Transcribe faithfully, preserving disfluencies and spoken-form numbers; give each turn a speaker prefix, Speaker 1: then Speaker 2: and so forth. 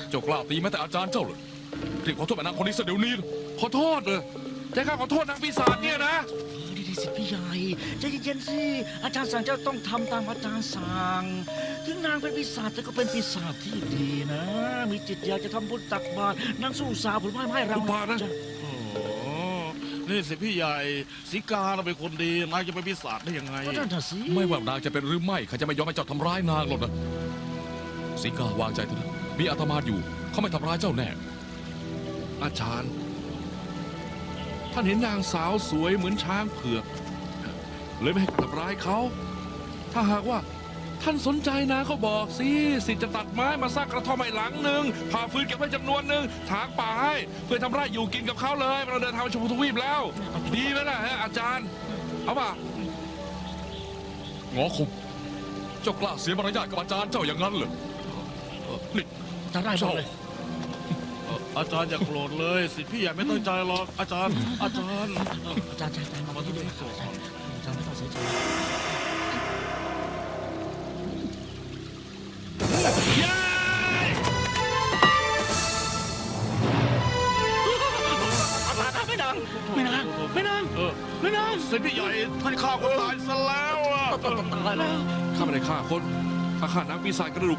Speaker 1: เจ้ากล้าตีแม้แต่อาจารย์เจ้าเลยรีบขอโทษแม่นางคนนี้ซะเดี๋ยวนี้นะ
Speaker 2: ขอโทษเลยแต่ข้าขอโทษนางปีศาจเนี่ยนะ
Speaker 3: ดีดีสิพี่ใหญ่ใจเย็นๆสิอาจารย์สั่งเจ้าต้องทำตามอาจารย์สั่งถึงนางเป็นปีศาจแต่ก็เป็นปีศาจที่ดีนะ มีจิตอยากจะทำบุญตักบาตรนางสู้สาวผลไม้ให้เรา
Speaker 2: อุบาทนะ
Speaker 3: จ้
Speaker 4: โอ้นี่สิพี่ใหญ่สีกาเราเป็นคนดีนายจะเป็นปีศาจได้ยังไง
Speaker 3: ก็นั่นน่ะสิ
Speaker 1: ไม่ว่านางจะเป็นหรือไม่ข้าจะไม่ยอมให้เจ้าทำร้ายนางหรอกนะสีกาวางใจเถอะนะมีอาตมาอยู่เขาไม่ทำร้ายเจ้าแน่
Speaker 2: อาจารย์ ท่านเห็นนางสาวสวยเหมือนช้างเผือกเลยไม่ให้ทำร้ายเขา ถ้าหากว่าท่านสนใจนะเขาบอกสิสิทธิ์จะตัดไม้มาสร้างกระท่อมให้หลังหนึ่งผ่าฟืนเก็บไว้จำนวนหนึ่งถางป่าให้เพื่อทำไร่อยู่กินกับเขาเลยเราเดินทางไปชมพูทวีปแล้ว ดีไหมล่ะฮะอาจารย์ เอาป่ะ
Speaker 1: งอคมเจ้ากล้าเสียมารยาทกับอาจารย์เจ้าอย่างนั้นเหรอนี่
Speaker 3: อาจารย์ได้หม
Speaker 1: เจ้า
Speaker 3: ดเลย
Speaker 4: เอ่ออาจารย์อย่าโกรธเลยสิพี่ใหญ่ไม่ตั้งใจหรอกอาจารย์ อาจารย์
Speaker 3: อาจารย์อาจารย์อาจารย์มาที่นี่อาจารย์อาจารย์ไม่ต้องเสียใจไม่นางไม่นางไม่นาง
Speaker 4: เออ
Speaker 3: ไม่นาง
Speaker 4: สิพี่ใหญ่ท่านฆ่าคนตายซะแล้วอ่ะ
Speaker 3: ตายแล้ว
Speaker 2: ข้าไม่ได้ฆ่าคนข้าฆ่านางปีศาจกระดูก